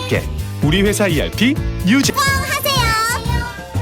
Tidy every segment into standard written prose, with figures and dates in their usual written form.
함께 우리 회사 ERP 뉴제 하세요.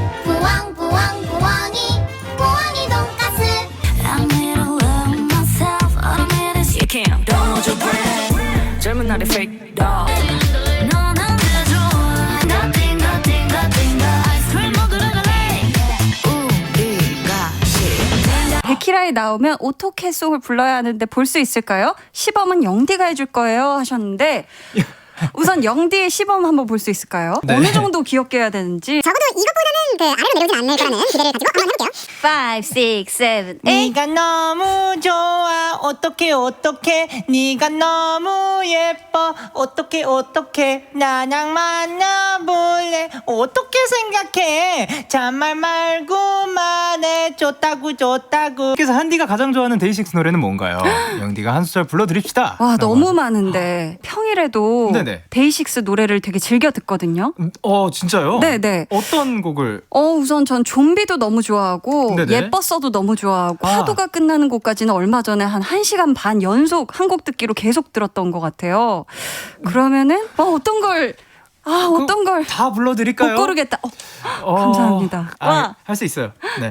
부엉부엉 부엉이 돈가스. I made a love myself. Automated, you can't. Don't hold your breath. 젊은 날의 fake dog. 너는 내 좋아. Nothing, nothing, nothing. 아이스크림 먹으러 갈래. 우리가 데키라에 나오면 어떻게 송을 불러야 하는데 볼 수 있을까요? 시범은 영디가 해줄 거예요 하셨는데 우선 영디의 시범 한번 볼 수 있을까요? 네. 어느 정도 귀엽게 해야 되는지 적어도 이것보다는 아래로 내려오진 않을 거라는 기대를 가지고 한번 해볼게요. 5, 6, 7, 8 네가 너무 좋아 어떡해 네가 너무 예뻐 어떡해 나랑 만나볼래 어떻게 생각해 잔말 말고 말해 좋다고 그래서 한디가 가장 좋아하는 데이식스 노래는 뭔가요? 영디가 한 소절 불러드립시다. 와 라고 너무 하죠. 많은데 평일에도 네네. 데이식스 노래를 되게 즐겨 듣거든요. 진짜요? 네네. 어떤 곡을? 우선 전 좀비도 너무 좋아하고 네네. 예뻤어도 너무 좋아하고 아. 파도가 끝나는 곡까지는 얼마 전에 한 1시간 반 연속 한 곡 듣기로 계속 들었던 것 같아요. 그러면은 어떤 걸 다 불러드릴까요? 못 고르겠다. 감사합니다. 와. 할 수 있어요. 네.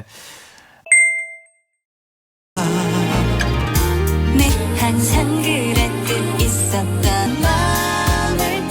내 항상 그랬듯 있었던 마음을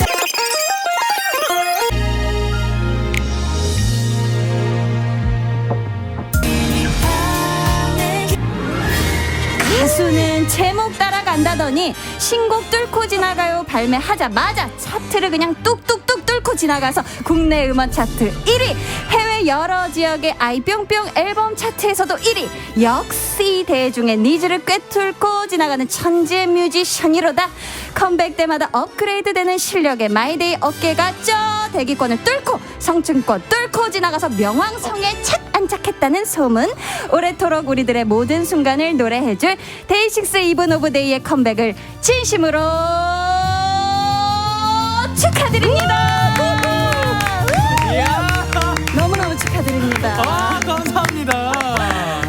가수는 제목 따라간다더니 신곡 뚫고 지나가요 발매하자마자 차트를 그냥 뚝뚝뚝 뚫고 지나가서 국내 음원 차트 1위, 해외 여러 지역의 아이뿅뿅 앨범 차트에서도 1위. 역시 대중의 니즈를 꿰뚫고 지나가는 천재 뮤지션이로다. 컴백 때마다 업그레이드되는 실력의 마이데이 어깨가 대기권을 뚫고 성층권 뚫고 지나가서 명왕성에 착 안착했다는 소문. 오래도록 우리들의 모든 순간을 노래해줄 데이식스 이븐 오브 데이의 컴백을 진심으로 축하드립니다. 너무너무 축하드립니다.